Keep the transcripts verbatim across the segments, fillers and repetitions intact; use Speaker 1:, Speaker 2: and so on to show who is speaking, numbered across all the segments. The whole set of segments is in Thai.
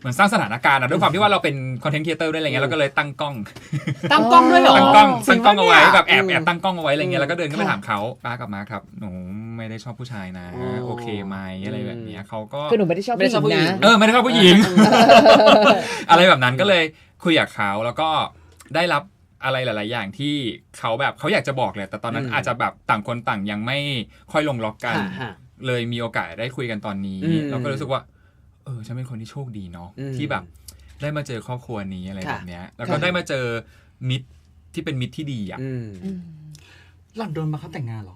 Speaker 1: เหมือนสร้างสถานการณ์อะด้วยความที่ว่าเราเป็นคอนเทนต์ครีเอเตอร์ด้วยอะไรเงี้ยเราก็เลยตั้งกล้อง
Speaker 2: ตั้งกล้องด้วยเหรอ
Speaker 1: ตั้งกล้องตั้งกล้องเอาไว้แบบแอบแอบตั้งกล้องเอาไว้อะไรเงี้ยแล้วก็เดินขึ้นไปถามเขาป้ากับมาครับหนูไม่ได้ชอบผู้ชายนะโอเคไหมอะไรแบบนี้เขาก็
Speaker 3: คือหนูไม่ได้ชอบผู้หญิงนะ
Speaker 1: เออไม่ได้ชอบผู้หญิงอะไรแบบนั้นก็เลยคุยกับเขาแล้วก็ได้รับอะไรหลายๆอย่างที่เขาแบบเขาอยากจะบอกเลยแต่ตอนนั้นอาจจะแบบต่างคนต่างยังไม่ค่อยลงล็อกกันเลยมีโอกาสได้คุยกันตอนนี้เราก็รู้สึกว่าเออฉันเป็นคนที่โชคดีเนาะที่แบบได้มาเจอครอบครัวนี้อะไรแบบเนี้ยแล้วก็ได้มาเจอมิตรที่เป็นมิตรที่ดีอ่ะ
Speaker 2: หล่อนโดนมาเขาแต่งงานหรอ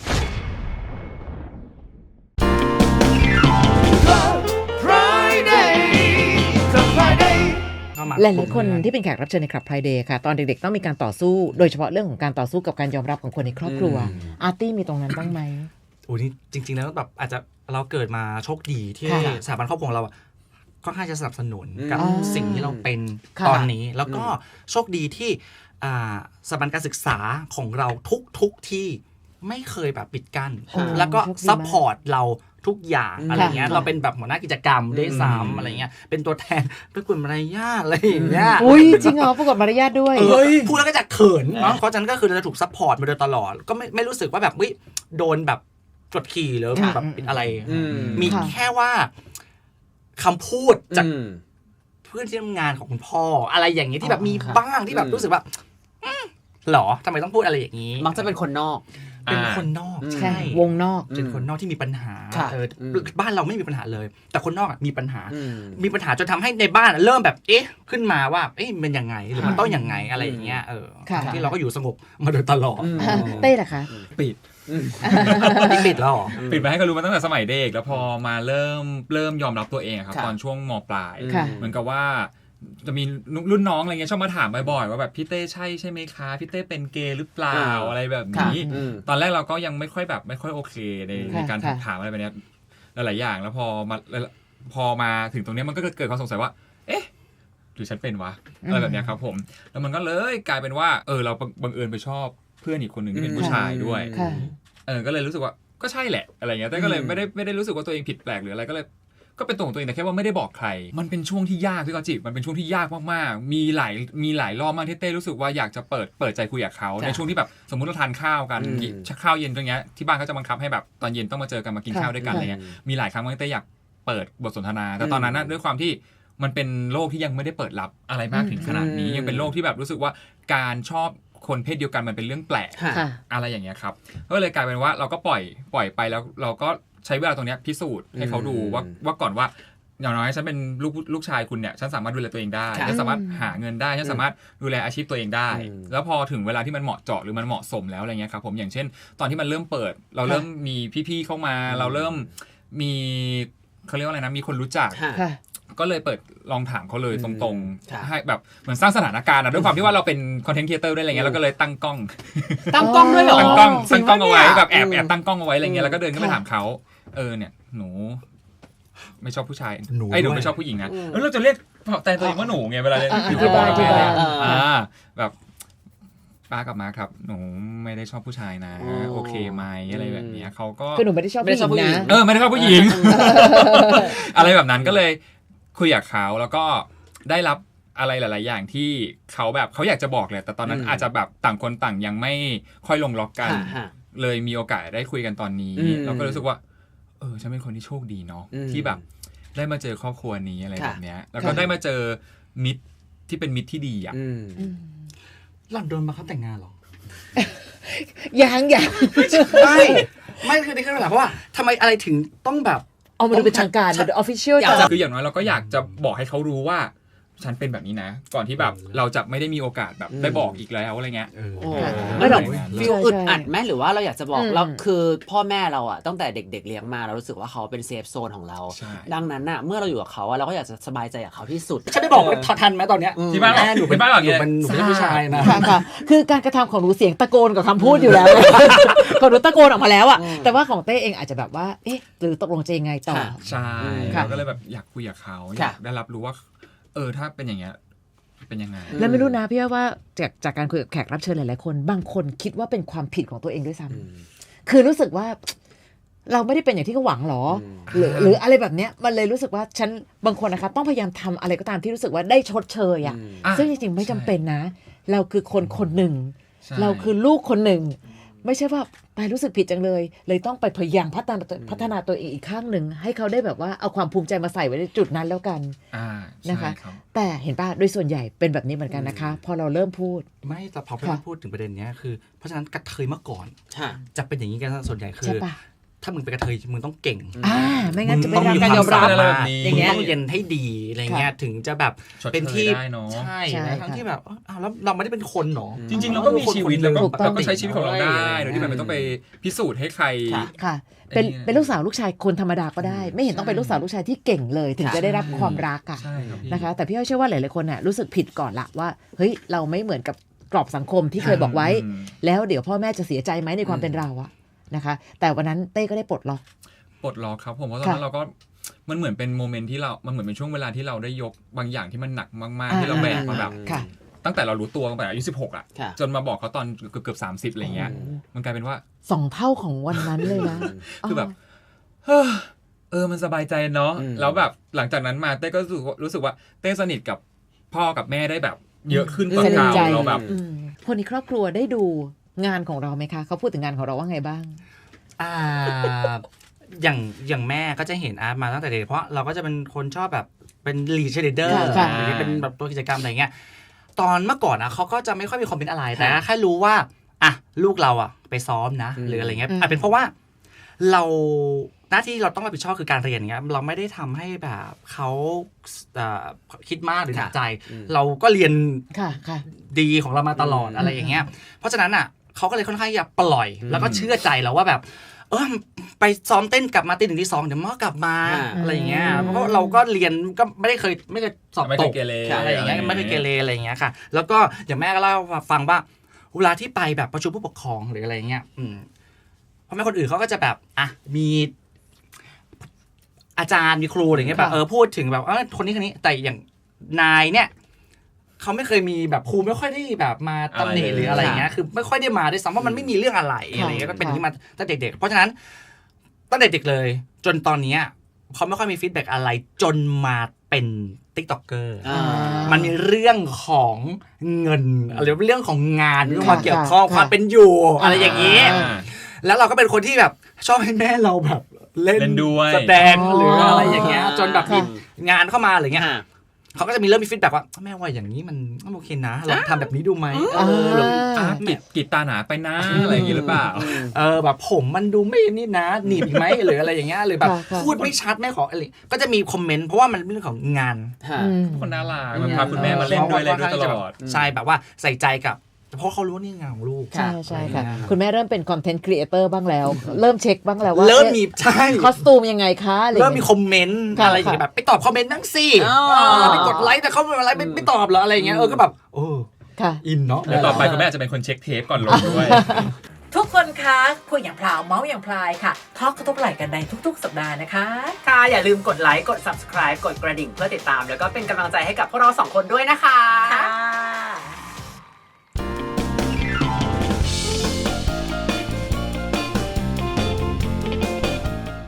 Speaker 3: หลายๆคนที่เป็นแขกรับเชิญในคลับ Friday ค่ะตอนเด็กๆต้องมีการต่อสู้โดยเฉพาะเรื่องของการต่อสู้กับการยอมรับของคนในครอบครัวอาร์ตี้มีตรงนั้นบ้างไหม
Speaker 2: โอ้นี่จริงๆแล้วแบบอาจจะเราเกิดมาโชคดีที่สถาบันครอบครัวของเราค่อนข้างจะสนับสนุนกับสิ่งที่เราเป็นตอนนี้แล้วก็โชคดีที่สถาบันการศึกษาของเราทุกๆที่ไม่เคยแบบปิดกั้นแล้วก็ซัพพอร์ตเราทุกอย่างอะไรเงี้ยเราเป็นแบบหัวหน้ากิจกรรมด้วยซ้ำอะไรเงี้ยเป็นตัวแทนประกวดมารยาทอะไรอย่างเงี้ย
Speaker 3: อุ้ยจริงเหรอประกวดมารยาทด้วย
Speaker 2: พูดแล้วก็จะเขินเนาะเพราะฉะนั้นก็คือเราจะถูกซัพพอร์ตมาโดยตลอดก็ไม่ไม่รู้สึกว่าแบบวิโดนแบบกดขี่หรือแบบเป็นอะไรมีแค่ว่าคำพูดจากเพื่อนที่ทำงานของคุณพ่ออะไรอย่างเงี้ยที่แบบมีบ้างที่แบบรู้สึกว่าหรอทำไมต้องพูดอะไรอย่างนี้
Speaker 4: มักจะเป็นคนนอก
Speaker 2: เป็นคนนอกใช่
Speaker 3: วงนอก
Speaker 2: เป็นคนนอกที่มีปัญหาเออบ้านเราไม่มีปัญหาเลยแต่คนนอกมีปัญหามีปัญหาจนทำให้ในบ้านเริ่มแบบเอ๊ะขึ้นมาว่าเอ๊ะมันยังไงหรือมันต้องยังไงอะไรอย่างเงี้ยเออที่เราก็อยู่สงบมาโดยตลอด
Speaker 3: เต้ล่ะคะ
Speaker 1: ปิด
Speaker 2: ปิดแล้วหรอ
Speaker 1: ปิดมาให้เขารู้มาตั้งแต่สมัยเด็กแล้วพอมาเริ่มเริ่มยอมรับตัวเองครับตอนช่วงม.ปลายเหมือนกับว่าจะมีรุ่นน้องอะไรเงี้ยชอบมาถามบ่อยๆว่าแบบพี่เต้ใช่ใช่ไหมคะพี่เต้เป็นเกย์หรือเปล่าอะไรแบบนี้ตอนแรกเราก็ยังไม่ค่อยแบบไม่ค่อยโอเคในในการถามอะไรแบบนี้หลายๆอย่างแล้วพอมาพอมาถึงตรงนี้มันก็เกิดความสงสัยว่าเอ๊ะหรือฉันเป็นวะอะไรแบบนี้ครับผมแล้วมันก็เลยกลายเป็นว่าเออเราบังเอิญไปชอบเพื่อนอีกคนหนึ่งที่เป็นผู้ชายด้วยเออก็เลยรู้สึกว่าก็ใช่แหละอะไรเงี้ยแต่ก็เลยไม่ได้ไม่ได้รู้สึกว่าตัวเองผิดแปลกหรืออะไรก็เลยก็เป็นตัวของตัวเองแต่แค่ว่าไม่ได้บอกใครมันเป็นช่วงที่ยากพี่กอจิมันเป็นช่วงที่ยากมากๆมีหลายมีหลายรอบมากที่เต้รู้สึกว่าอยากจะเปิดเปิดใจคุยกับเขาในช่วงที่แบบสมมุติเราทานข้าวกันข้าวเย็นตรงเนี้ยที่บ้านเขาจะบังคับให้แบบตอนเย็นต้องมาเจอกันมากินข้าวด้วยกันอะไรเงี้ยมีหลายครั้งที่เต้อยากเปิดบทสนทนาแต่ตอนนั้นด้วยความที่มันเป็นโลกที่ยังไม่ได้เปิดรับอะไรมากถึงขนาดนี้ยังเป็นโลกที่แบบรู้สึกว่าการชอบคนเพศเดียวกันมันเป็นเรื่องแปลกอะไรอย่างเงี้ยครับก็เลยกลายเป็นว่าเราก็ปล่อยปล่อยไปแล้วเราก็ใช้เวลาตรงนี้พิสูจน์ให้เขาดูว่าว่าก่อนว่าอย่างน้อยฉันเป็นลูกลูกชายคุณเนี่ยฉันสามารถดูแลตัวเองได้ฉันสามารถหาเงินได้ฉันสามารถดูแลอาชีพตัวเองได้แล้วพอถึงเวลาที่มันเหมาะเจาะหรือมันเหมาะสมแล้วอะไรเงี้ยครับผมอย่างเช่นตอนที่มันเริ่มเปิดเราเริ่มมีพี่ๆเข้ามาเราเริ่มมีเขาเรียกว่าอะไรนะมีคนรู้จักก็เลยเปิดลองถามเขาเลยตรงๆให้แบบเหมือนสร้างสถานการณ์ด้วยความที่ว่าเราเป็นคอนเทนต์ครีเอเตอร์ด้วยอะไรเงี้ยเราก็เลยตั้งกล้อง
Speaker 4: ตั้งกล้องด้วยเหรอ
Speaker 1: ตั้งกล้องตั้งกล้องเอาไว้แบบแอบแอบตั้งกล้องเอาไว้อะไรเงี้ยแล้วก็เดินขึ้นไปถามเขาเออเนี่ยหนูไม่ชอบผู้ชายไอ้หนูไม่ชอบผู้หญิงนะแล้วเราจะเรียกแต่ตัวเองว่าหนูไงเวลาอยู่ที่บ้านที่บ้านอ่าแบบป้ากับมาครับหนูไม่ได้ชอบผู้ชายนะโอเคไหมอะไรแบบนี้เขาก็
Speaker 3: คือหนูไม่ได้ชอบผู้หญิงนะ
Speaker 1: เออไม่ได้ชอบผู้หญิงอะไรแบบนั้นก็เลยคุยกับเขาแล้วก็ได้รับอะไรหลายๆอย่างที่เขาแบบเขาอยากจะบอกเลยแต่ตอนนั้นอาจจะแบบต่างคนต่างยังไม่ค่อยลงล็อกกันเลยมีโอกาสได้คุยกันตอนนี้เราก็รู้สึกว่าเออฉันเป็นคนที่โชคดีเนาะที่แบบได้มาเจอครอบครัวนี้อะไรแบบเนี้ยแล้วก็ได้มาเจอมิตรที่เป็นมิตรที่ดีอ่ะ
Speaker 2: หล่อนโดนมาเขาแต่งงานหรอ
Speaker 3: ยังยัง
Speaker 2: ไม่ไม่คือในขณะเพราะว่าทำไมอะไรถึงต้องแบบ
Speaker 3: เอามาดูเป็นทางการเป็น official
Speaker 1: คืออย่างน้อยเราก็อยากจะบอกให้เขารู้ว่าฉันเป็นแบบนี้นะก่อนที่แบบเราจะไม่ได้มีโอกาสแบบได้บอกอีกแล้วอะไรเงี้ย
Speaker 4: ไม่หรอกฟีลอึดอัดไหมหรือว่าเราอยากจะบอกเราคือพ่อแม่เราอ่ะตั้งแต่เด็กๆเลี้ยงมาเรารู้สึกว่าเขาเป็นเซฟโซนของเราดังนั้นน่ะเมื่อเราอยู่กับเขาเราก็อยากจะสบายใจกับเขาที่สุด
Speaker 2: ฉันได้บอกทันไหมตอนเนี้ย
Speaker 1: ที่บ้าน
Speaker 2: หนูเป็นบ้านหลังหนูเป็นหนูเป็นผู้ชายนะ
Speaker 3: ค่ะคือการกระทำของหนูเสียงตะโกนกับคำพูดอยู่แล้วของหนูตะโกนออกมาแล้วอ่ะแต่ว่าของเต้เองอาจจะแบบว่าเอ๊ะหรือตกลงจะยังไงต่อ
Speaker 1: ใช่เราก็เลยแบบอยากคุยกับเขาอยากได้รับรู้ว่าเออถ้าเป็นอย่างเงี้ยเป็นยังไง
Speaker 3: แล้วไม่รู้นะพี่ว่าจากจากการคุยกับแขกรับเชิญหลายๆคนบางคนคิดว่าเป็นความผิดของตัวเองด้วยซ้ำคือรู้สึกว่าเราไม่ได้เป็นอย่างที่เขาหวังหรอหรือหรืออะไรแบบเนี้ยมันเลยรู้สึกว่าฉันบางคนนะคะต้องพยายามทำอะไรก็ตามที่รู้สึกว่าได้ชดเชยอ่ะซึ่งจริงๆไม่จำเป็นนะเราคือคนคนหนึ่งเราคือลูกคนหนึ่งไม่ใช่ว่าไปรู้สึกผิดจังเลยเลยต้องไปพยายามพัฒนาพัฒนาตัวเองอีกข้างหนึ่งให้เขาได้แบบว่าเอาความภูมิใจมาใส่ไว้ในจุดนั้นแล้วกันนะคะแต่เห็นป่ะโดยส่วนใหญ่เป็นแบบนี้เหมือนกันนะคะพอเราเริ่มพูด
Speaker 2: ไม่แต่พอพี่พูดถึงประเด็นนี้คือเพราะฉะนั้นกระเทยเมื่อก่อนจะเป็นอย่างนี้กันส่วนใหญ่คือถ้ามึงเป็นกระเทยมึงต้องเก่ง
Speaker 3: อ่าไม่งั้นจะไม่ได้การยอมรับ
Speaker 2: อะไรแบบนี้อย่างเงี้ยต้องเรียนให้ดีอะไรเงี้ยถึงจะแบบเป็นที่ใช่ทั้งที่แบบอ้าวแล้วเราไม่ได้เป็นคนหรอ
Speaker 1: จริงๆเราก็มีชีวิตแล้วก็เราก็ใช้ชีวิตของเราได้โดยที่แบบไม่ต้องไปพิสูจน์ให้ใคร
Speaker 3: ค่ะเป็นเป็นลูกสาวลูกชายคนธรรมดาก็ได้ไม่เห็นต้องเป็นลูกสาวลูกชายที่เก่งเลยถึงจะได้รับความรักอ่ะนะคะแต่พี่อ้อยเชื่อว่าหลายๆคนน่ะรู้สึกผิดก่อนละว่าเฮ้ยเราไม่เหมือนกับกรอบสังคมที่เคยบอกไว้แล้วเดี๋ยวพ่อแม่จะเสียใจไหมในความเป็นเราอะนะคะแต่วันนั้นเต้ก็ได้ปลดล็อก
Speaker 1: ปลดล็อกครับผมเพราะตอนนั้นเราก็มันเหมือนเป็นโมเมนต์ที่เรามันเหมือนเป็นช่วงเวลาที่เราได้ยกบางอย่างที่มันหนักมากๆที่เราแบกมาแบบตั้งแต่เรารู้ตัวตั้งแต่อายุสิบหกอ่ะจนมาบอกเขาตอนเกือบเกือบสามสิบอะไรเงี้ยมันกลายเป็นว่า
Speaker 3: สองเท่าของวันนั้นเลยนะ
Speaker 1: คือแบบเออมันสบายใจเนาะแล้วแบบหลังจากนั้นมาเต้ก็รู้สึกรู้สึกว่าเต้สนิทกับพ่อกับแม่ได้แบบเยอะขึ้นกว่าเก่าเราแบบ
Speaker 3: คนในครอบครัวได้ดูงานของเราไหมคะเขาพูดถึงงานของเราว่าไงบ้าง
Speaker 2: อ่าอย่างอย่างแม่ก็จะเห็นอาร์ตมาตั้งแต่เด็กเพราะเราก็จะเป็นคนชอบแบบเป็นลีดเชดเดอร์หรือเป็นแบบตัวกิจกรรมอะไรเงี้ยตอนเมื่อก่อนนะเขาก็จะไม่ค่อยมีคอมเมนต์อะไรแต่แค่รู้ว่าอ่ะลูกเราอ่ะไปซ้อมนะหรืออะไรเงี้ยอาจเป็นเพราะว่าเราหน้าที่เราต้องรับผิดชอบคือการเรียนเงี้ยเราไม่ได้ทำให้แบบเขาคิดมากหรือหนักใจเราก็เรียนดีของเรามาตลอดอะไรอย่างเงี้ยเพราะฉะนั้นอ่ะเขาก็เลยค่อนข้างจะปล่อยแล้วก็เชื่อใจเราว่าแบบเออไปซ้อมเต้นกลับมาตีหนึ่งตีสองเดี๋ยวมอกลับมาอะไรอย่างเงี้ยเพราะเราก็เรียนก็ไม่ได้เคยไม่เคยสอบตกอะไรอย่างเงี้ยไม่เคยเกเรอะไรอย่างเงี้ยค่ะแล้วก็อย่างแม่ก็เล่าฟังว่าเวลาที่ไปแบบประชุมผู้ปกครองหรืออะไรเงี้ยอืมเพราะแม่คนอื่นเขาก็จะแบบอ่ะมีอาจารย์มีครูอะไรเงี้ยแบบเออพูดถึงแบบเออคนนี้คนนี้แต่อย่างนายเนี่ยเขาไม่เคยมีแบบครูไม่ค่อยได้แบบมาตำหนิหรืออะไรเงี้ยคือไม่ค่อยได้มาด้วยซ้ำว่ามันไม่มีเรื่องอะไรอะไรเงี้ยก็เป็นอย่างนี้มาตั้งแต่เด็กๆเพราะฉะนั้นตั้งแต่เด็กเลยจนตอนนี้เขาไม่ค่อยมีฟีดแบ็กอะไรจนมาเป็น TikToker มันมีเรื่องของเงินอะไรเรื่องของงานที่มาเกี่ยวข้องความเป็นอยู่อะไรอย่างนี้แล้วเราก็เป็นคนที่แบบชอบให้แม่เราแบบเล่นแสดงหรืออะไรอย่างเงี้ยจนแบบมีงานเข้ามาอะไรเงี้ยเขาก็จะมีเริ่มมีฟีดแบ็กว่าแม่ว่าอย่างนี้มันโอเคนะลองทำแบบนี้ดูไหมเออ
Speaker 1: กิดกิดตาหนาไปนะอะไรอย่างนี้หรือเปล่า
Speaker 2: เออแบบผมมันดูไม่นี่นะหนีบอีกไหมหรืออะไรอย่างเงี้ยหรือแบบพูดไม่ชัดไม่ขออะไรก็จะมีคอมเมนต์เพราะว่ามันเป็นเรื่องของงาน
Speaker 1: คนน่ารักมันพาคุณแม่มาเล่นด้วยเลยตลอด
Speaker 2: ใช่แบบว่าใส่ใจกับเพราะเขารู้นี่งานของลูก
Speaker 3: ใช่ใช่ค่ะคุณแม่เริ่มเป็นคอนเทนต์ครีเอเตอร์บ้างแล้วเริ่มเช็คบ้างแล้วว่า
Speaker 2: เริ่มมีใช่
Speaker 3: คอสตูมยังไงคะ
Speaker 2: เริ่มมีคอมเมนต์อะไรอย่างเงี้ยแบบไปตอบคอมเมนต์นั่งสิไปกดไลค์แต่เขาไม่ไลค์ไม่ตอบเหรออะไรอย่างเงี้ยเออก็แบบโอ้อินเนาะ
Speaker 1: แล้วต่อไปคุณแม่จะเป็นคนเช็คเทปก่อนลงด้วย
Speaker 5: ทุกคนคะคุยอย่างพลาวเมาส์อย่างพลายค่ะทอล์กกระทบไหล่กันในทุกๆสัปดาห์นะคะ
Speaker 6: ค่ะอย่าลืมกดไลค์กด ซับสไครบ์ กดกระดิ่งเพื่อติดตามแล้วก็เป็นกำลังใจให้กับพวกเราสองคนด้วยนะคะ